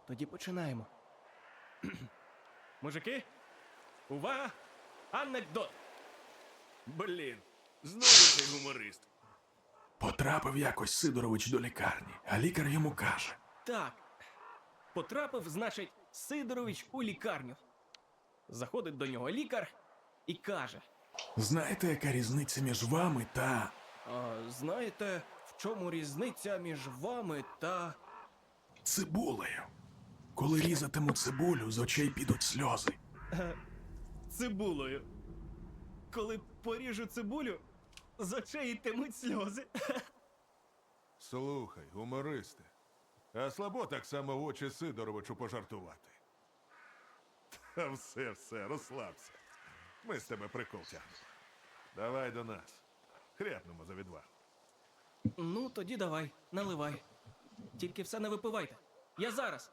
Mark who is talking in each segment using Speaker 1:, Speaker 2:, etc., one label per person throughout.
Speaker 1: Тоді починаємо. Мужики, увага! Анекдот!
Speaker 2: Блін, знову цей гуморист.
Speaker 3: Потрапив якось Сидорович до лікарні, а лікар йому каже:
Speaker 1: Так. Потрапив, значить, Сидорович у лікарню. Заходить до нього лікар і каже:
Speaker 3: знаєте, яка різниця між вами та...
Speaker 1: знаєте, в чому різниця між вами та...
Speaker 3: цибулею? Коли різатиму цибулю, з очей підуть сльози.
Speaker 1: цибулею. Коли поріжу цибулю, з очей йтимуть сльози.
Speaker 2: Слухай, гумористи, а слабо так само в очі Сидоровичу пожартувати. Та все, розслабся. Ми з тебе прикол тягнемо. Давай до нас. Хряпнемо за відвагу.
Speaker 1: Ну, тоді давай, наливай. Тільки все не випивайте. Я зараз.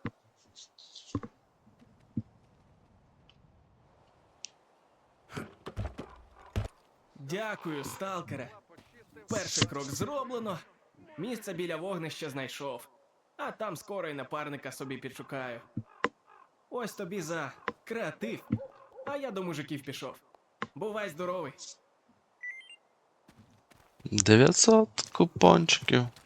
Speaker 1: Дякую, сталкере. Перший крок зроблено. Місце біля вогнища знайшов. А там скоро й напарника собі підшукаю. Ось тобі за креатив. А я до мужиків пішов. Бувай здоровий.
Speaker 4: 900 купончиків.